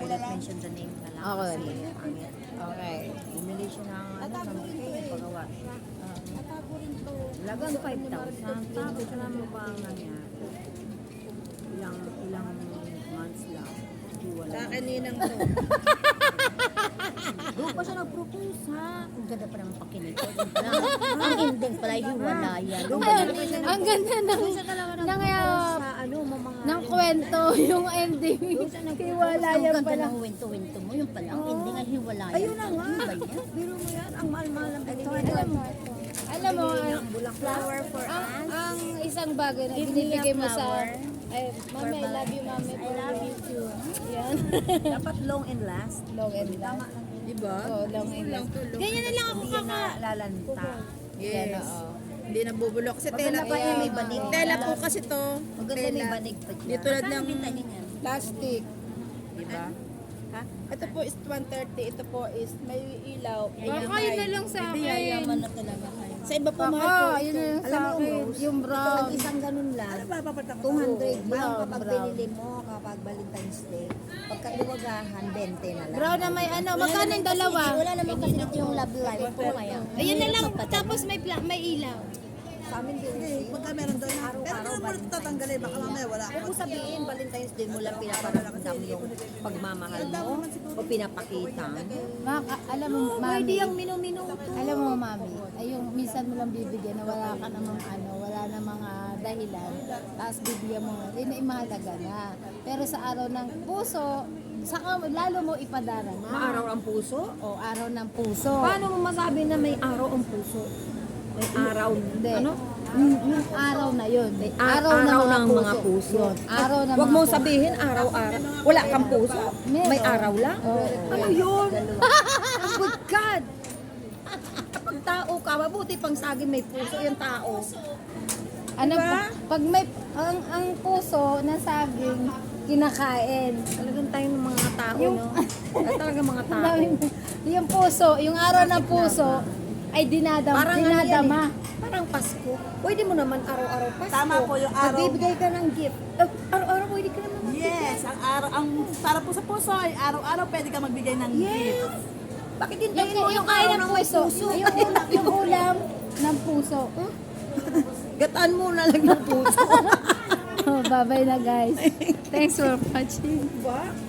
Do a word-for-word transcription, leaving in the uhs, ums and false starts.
not mention the name na lang. Okay. Kasi pangit. Okay. Bumili siya ng ano, ng bouquet, pagawa siya. Lagang five thousand. Tapos alam mo ba ang nangyari? Ilang, ilang months lang. Hiwalay. Sa akin ninang to. Doon pa siya nag-propose ha. Ang ganda pa naman pakinig ko. Doon pa lang. Ang ending pala, hiwalayan. Doon pa Ayun, siya siya ang ganda ng, Doon siya talaga ng, nag-propose uh, sa ano, mamahal. ng kwento, yung ending. Doon siya nag-propose. Hiwalayan Ang pala. ganda ng wento-wento mo. Yung pala, ang ending ay hiwalayan. Ayun na nga. Ano ba yan? Biro mo yan. Ang mahal-mahal ang Ito, binili. alam mo, alam mo, Binili niya ang, ang bulaklak. for ang, ang isang bagay na Give me a binibigay mo sa, flower. ay, mami, I love you, mami. I love you too. Yan. Dapat long and last. Long and Tama last. lang. Diba? Oo, long and last. Ganyan na lang ako Hindi yan kaka. na lalanta. Yan, Yes. oo. Hindi nabubulok. Kasi tela Maganda pa po. yan, may banig. Tela po kasi to. Maganda may Tela. banig pa Di dyan. tulad Saan ng binta niya yan? plastic. Diba? Ha? Ito po is one thirty. Ito po is may ilaw. Baka yun na lang sa Hindi, akin. yayaman na talaga kayo. Sa iba po mahal po. Baka, yun na lang Alam sa mo, akin. Rose, Yung Ito brown. lang isang ganun lang. two hundred lang kapag binili mo kapag Valentine's Day. Pagka iwagahan, twenty na lang. Brown na may ano, magkano yung dalawa? Wala naman kasi dito yung love life ko kaya. Ayun na lang, Kapatid. tapos may pla- may ilaw. Sa amin din. Hindi, pagka meron doon, pero Araw-araw kailan mo Valentine's tatanggalin? Baka mamaya wala Huwag mo sabihin, Valentine's Day mo lang pinaparamdam yung pagmamahal mo o pinapakita. Maka, alam mo, Pwede mami. yung minuminuto. Alam mo, mami, ay yung minsan mo lang bibigyan na wala ka namang ano, wala na mga dahilan, tapos bibigyan mo, hindi na imahalaga na. Pero sa araw ng puso, saka lalo mo ipadara na. Maaraw ang puso? O araw ng puso. Paano mo masabi na may araw ang puso? May araw. Hindi. Ano? Yung, yung araw na yun. May araw, araw ng mga puso. Yun, araw ng Huwag mga mong puso. sabihin araw-araw. Wala kang puso. Meron. May araw lang. Oo. Ano yun? Oh my God! Kapag tao ka, mabuti pang saging may puso yung tao. Ano Diba? pa? Pag may, ang, ang puso na saging, kinakain. Talagang tayo ng mga tao, Yung- no? Ay, talagang mga tao. Yung puso, yung araw ng puso, ay dinadam, Parang ano yan dinadama. eh, parang Pasko. Pwede mo naman araw-araw Pasko. Tama po yung araw. Magbibigay ka ng gift. Eh, Araw-araw pwede ka naman magbigay. Yes, ang araw, ang para po sa puso ay araw-araw pwede ka magbigay ng gift. Yes. Bakit hindi Yung, mo yung kain ng puso, yung, ulam, yung ulam ng puso. Gataan mo na lang ng puso. Oh, bye-bye na guys. Thanks for watching. Diba?